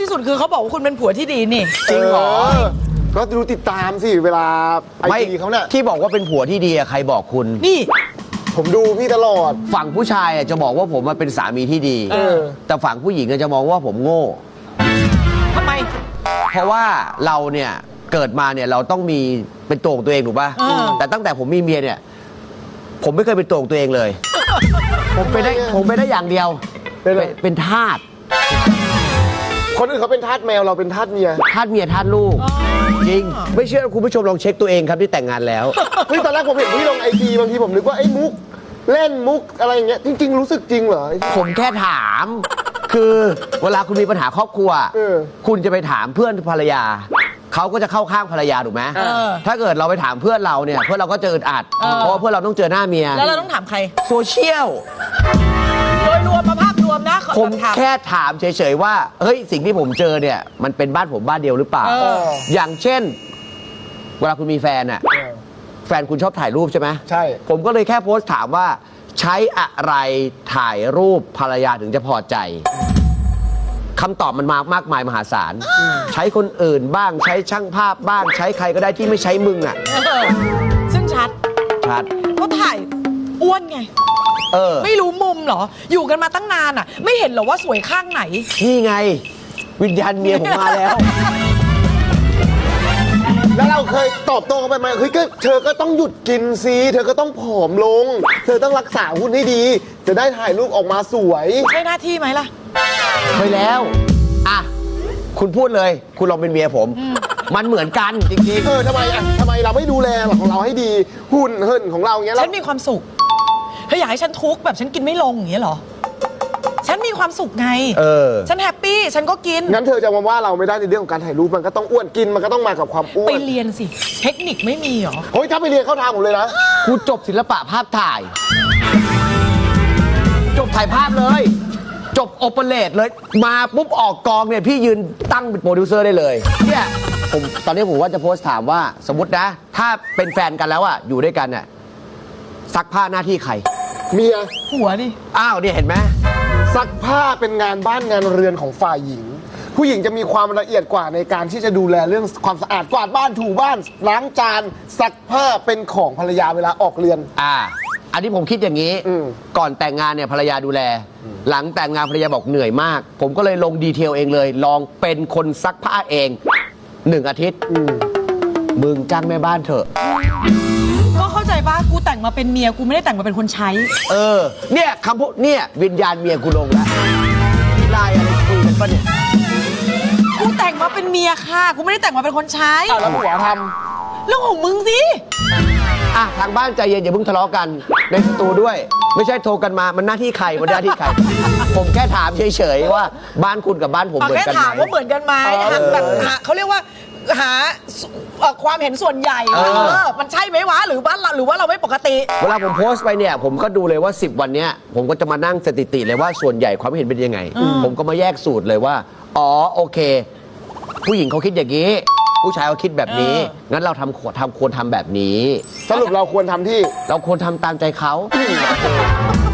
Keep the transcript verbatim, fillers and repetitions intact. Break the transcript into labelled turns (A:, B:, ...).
A: ที่สุดคือเขาบอกว่าคุณเป็นผัวที่ดีนี่
B: จริงเหรอก็ดูติดตามสิเวลาไอจีเขาเนี่ย
C: ที่บอกว่าเป็นผัวที่ดีใครบอกคุณ
A: นี่
B: ผมดูพี่ตลอด
C: ฝั่งผู้ชายจะบอกว่าผมเป็นสามีที่ดีแต่ฝั่งผู้หญิงจะมองว่าผมโง่
A: ทำไม
C: เพราะว่าเราเนี่ยเกิดมาเนี่ยเราต้องมีเป็นตัวของตัวเองถูกป่ะแต่ตั้งแต่ผมมีเมียเนี่ยผมไม่เคยเป็นตัวของตัวเองเลยผมเป็นได้ผมเป็นได้อย่างเดียวเป็นทาส
B: คนอื่นเขาเป็นทาสแมวเราเป็นทาสเมีย
C: ทาสเมียทาสลูกจริงไม่เชื่อคุณผู้ชมลองเช็คตัวเองครับที่แต่งงานแล้ว
B: เฮ้ยตอนแรกผมเห็นพี่ลงไอจีบางทีผมนึกว่าไอ้มุกเล่นมุกอะไรอย่างเงี้ยจริงๆรู้สึกจริงเหรอ
C: ผมแค่ถามคือเวลาคุณมีปัญหาครอบครัวคุณจะไปถามเพื่อนภรรยาเขาก็จะเข้าข้างภรรยาถูกไหมถ้าเกิดเราไปถามเพื่อนเราเนี่ยเพื่อนเราก็จะอึดอัดเพราะว่าเพื่อนเราต้องเจอหน้าเมีย
A: แล้วเราต้องถามใคร
C: โซเชียล
A: โดยรวมมาภาพรวมนะ
C: ผมแค่ถามเฉยๆว่าเฮ้ยสิ่งที่ผมเจอเนี่ยมันเป็นบ้านผมบ้านเดียวหรือเปล่าอย่างเช่นเวลาคุณมีแฟนอ่ะแฟนคุณชอบถ่ายรูปใช่ไหม
B: ใช่
C: ผมก็เลยแค่โพสต์ถามว่าใช้อะไรถ่ายรูปภรรยาถึงจะพอใจคำตอบมันมามากมายมหาศาลใช้คนอื่นบ้างใช้ช่างภาพบ้างใช้ใครก็ได้ที่ไม่ใช้มึงอ่ะ
A: ซึ่งชัด
C: ชัด
A: ก็ถ่ายอ้วนไง
C: เออ
A: ไม่รู้มุมเหรออยู่กันมาตั้งนานอ่ะไม่เห็นเหรอว่าสวยข้างไหน
C: นี่ไงวิญญาณเมียผมมาแล้ว
B: แล้วเราเคยตอบโต้เขาไปไหมเฮ้ยก็เธอก็ต้องหยุดกินซีเธอก็ต้องผอมลงเธอต้องรักษาหุ่นให้ดีจะได้ถ่ายรูปออกมาสวย
A: ใช่หน้าที่ไหมล่ะ
C: ไปแล้วอ่ะคุณพูดเลยคุณลองเป็นเมียผมมันเหมือนกันจริงๆ
B: เออทำไมอ่ะทำไมเราไม่ดูแลของเราให้ดีหุ่นเหินของเราอย่างเงี้ย
A: ฉันมีความสุขเธออยากให้ฉันทุกข์แบบฉันกินไม่ลงอย่างเงี้ยเหรอฉันมีความสุขไง
C: เออ
A: ฉันแฮปปี้ฉันก็กิน
B: งั้นเธอจะมาว่าเราไม่ได้ในเรื่องของการถ่ายรูปมันก็ต้องอ้วนกินมันก็ต้องมากับความอ้วน
A: ไปเรียนสิเทคนิคไม่มีเหรอ
B: เฮ้ยถ้าไปเรียนเข้าทางผมเลยนะ
C: ครูจบศิลปะภาพถ่ายจบถ่ายภาพเลยจบโอเปเรตเลยมาปุ๊บออกกองเนี่ยพี่ยืนตั้งเป็นโปรดิวเซอร์ได้เลยเนี่ยผมตอนนี้ผมว่าจะโพสต์ถามว่าสมมตินะถ้าเป็นแฟนกันแล้วอะอยู่ด้วยกันเนี่ยซักผ้าหน้าที่ใคร
B: เมีย
A: ผัวดิ
C: อ้าวเนี่ยเห็นไหม
B: ซักผ้าเป็นงานบ้านงานเรือนของฝ่ายหญิงผู้หญิงจะมีความละเอียดกว่าในการที่จะดูแลเรื่องความสะอาดกวาดบ้านถูบ้านล้างจานซักผ้าเป็นของภรรยาเวลาออกเรือน
C: อ่าอันนี้ผมคิดอย่างนี้ก่อนแต่งงานเนี่ยภรรยาดูแลหลังแต่งงานภรรยาบอกเหนื่อยมากผมก็เลยลงดีเทลเองเลยลองเป็นคนซักผ้าเองหนึ่งอาทิตย์มึงจ้างแม่บ้านเถอะ
A: ก็เข้าใจป่ะกูแต่งมาเป็นเมียกูไม่ได้แต่งมาเป็นคนใช้
C: เออเนี่ยคำพูดเนี่ยวิญญาณเมียกูลงแล้วมีลายอะไรคุยกันปะเนี่ย
A: กูแต่งมาเป็นเมียค่ะกูไม่ได้แต่งมาเป็นคนใช้
B: แล้วผัวท
A: ำเรื่องของมึงสิ
C: อ่ะทางบ้านใจเย็นอย่าเพิ่งทะเลาะกันในสตูด้วยไม่ใช่โทรกันมามันหน้าที่ใครมันหน้าที่ใครผมแค่ถามเฉยๆว่าบ้านคุณกับบ้านผมเหมือนกันไหม
A: แค่ถามว่าเหมือนกันไหมแบบเขาเรียกว่าหาความเห็นส่วนใหญ่มันใช่ไหมวะหรือว่าหรือว่าเราไม่ปกติ
C: เวลาผมโพสต์ไปเนี่ยผมก็ดูเลยว่าสิบวันเนี้ยผมก็จะมานั่งสถิติเลยว่าส่วนใหญ่ความเห็นเป็นยังไงผมก็มาแยกสูตรเลยว่าอ๋อโอเคผู้หญิงเขาคิดอย่างนี้ผู้ชายเขาคิดแบบนี้งั้นเราทำทำควรทำแบบนี้
B: สรุปเราควรทำที่
C: เราควรทำตามใจเขา